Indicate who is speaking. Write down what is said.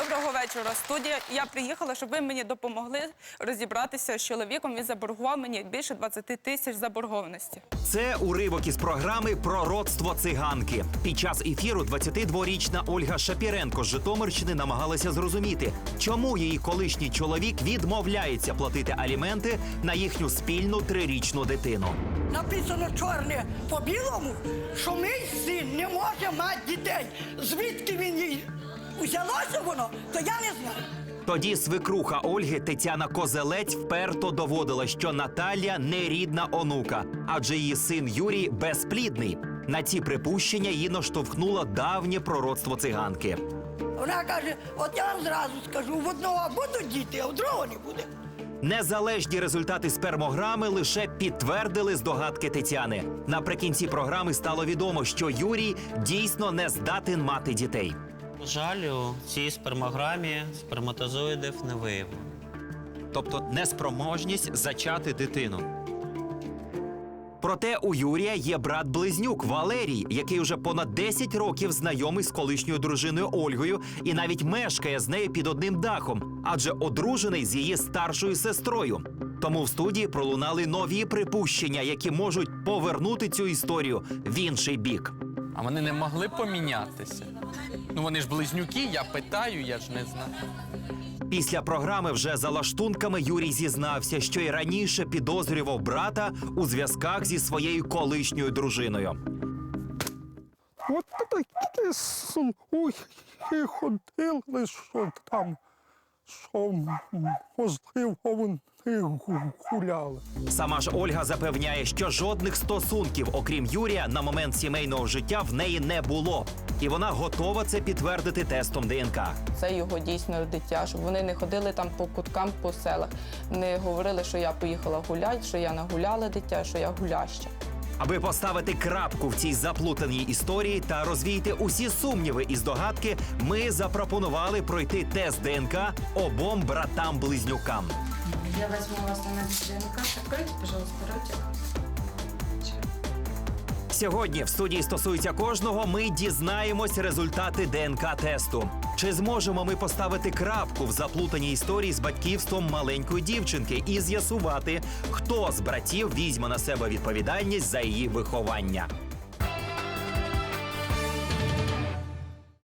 Speaker 1: Доброго вечора, студія. Я приїхала, щоб ви мені допомогли розібратися з чоловіком. Він заборгував мені більше 20 тисяч заборгованості.
Speaker 2: Це уривок із програми «Пророцтво циганки». Під час ефіру 22-річна Ольга Шапіренко з Житомирщини намагалася зрозуміти, чому її колишній чоловік відмовляється платити аліменти на їхню спільну 3-річну дитину.
Speaker 3: Написано чорне по білому, що мій син не може мати дітей. Звідки він їй взялося воно, то я не знаю.
Speaker 2: Тоді свекруха Ольги Тетяна Козелець вперто доводила, що Наталія не рідна онука, адже її син Юрій безплідний. На ці припущення її наштовхнуло давнє пророцтво циганки.
Speaker 3: Вона каже, от я вам зразу скажу, в одного будуть діти, а в другого не буде.
Speaker 2: Незалежні результати спермограми лише підтвердили здогадки Тетяни. Наприкінці програми стало відомо, що Юрій дійсно не здатен мати дітей.
Speaker 4: На жаль, у цій спермограмі сперматозоїдів не виявлено.
Speaker 2: Тобто неспроможність зачати дитину. Проте у Юрія є брат-близнюк Валерій, який уже понад 10 років знайомий з колишньою дружиною Ольгою і навіть мешкає з нею під одним дахом, адже одружений з її старшою сестрою. Тому в студії пролунали нові припущення, які можуть повернути цю історію в інший бік.
Speaker 5: А вони не могли помінятися? Ну вони ж близнюки, я питаю, я ж не знаю.
Speaker 2: Після програми вже за лаштунками Юрій зізнався, що й раніше підозрював брата у зв'язках зі своєю колишньою дружиною.
Speaker 6: От такі слухи ходили, що там, що можливо вони гуляли.
Speaker 2: Сама ж Ольга запевняє, що жодних стосунків, окрім Юрія, на момент сімейного життя в неї не було. І вона готова це підтвердити тестом ДНК.
Speaker 7: Це його дійсно дитя, щоб вони не ходили там по куткам, по селах. Не говорили, що я поїхала гуляти, що я нагуляла дитя, що я гуляща.
Speaker 2: Аби поставити крапку в цій заплутаній історії та розвіяти усі сумніви і здогадки, ми запропонували пройти тест ДНК обом братам-близнюкам.
Speaker 8: Я возьму вас на ДНК. Откройте, пожалуйста, ротик.
Speaker 2: Сьогодні в студії «Стосується кожного» ми дізнаємось результати ДНК-тесту. Чи зможемо ми поставити крапку в заплутаній історії з батьківством маленької дівчинки і з'ясувати, хто з братів візьме на себе відповідальність за її виховання?